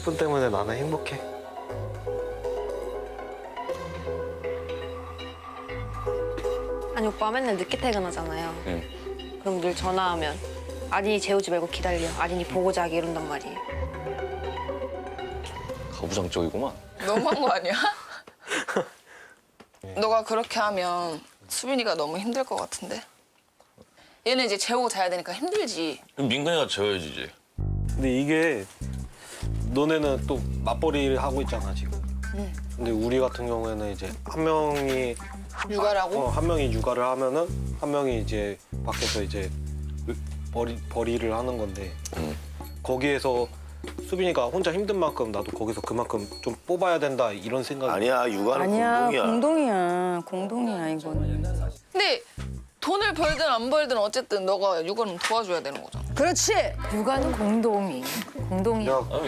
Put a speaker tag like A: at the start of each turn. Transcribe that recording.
A: 30분 때문에 나는 행복해.
B: 아니 오빠 맨날 늦게 퇴근하잖아요.
C: 응.
B: 그럼 늘 전화하면 아린이 재우지 말고 기다려. 아린이 보고 자기 이런단 말이에요.
C: 가부장적이구만.
D: 너무한 거 아니야? 너가 그렇게 하면 수빈이가 너무 힘들 것 같은데? 얘는 이제 재우고 자야 되니까 힘들지.
C: 민근이가 재워야지 이제.
A: 근데 이게 너네는 또 맞벌이를 하고 있잖아 지금. 근데 우리 같은 경우에는 이제 한 명이
D: 육아라고?
A: 한 명이 육아를 하면은 한 명이 이제 밖에서 이제 벌이를 하는 건데 거기에서 수빈이가 혼자 힘든 만큼 나도 거기서 그만큼 좀 뽑아야 된다 이런 생각이.
E: 아니야, 육아는
F: 아니야,
E: 공동이야.
F: 공동이야 이거는.
D: 근데 돈을 벌든 안 벌든 어쨌든 너가 육아는 도와줘야 되는 거잖아.
F: 그렇지. 육아는 공동이야.
A: 야,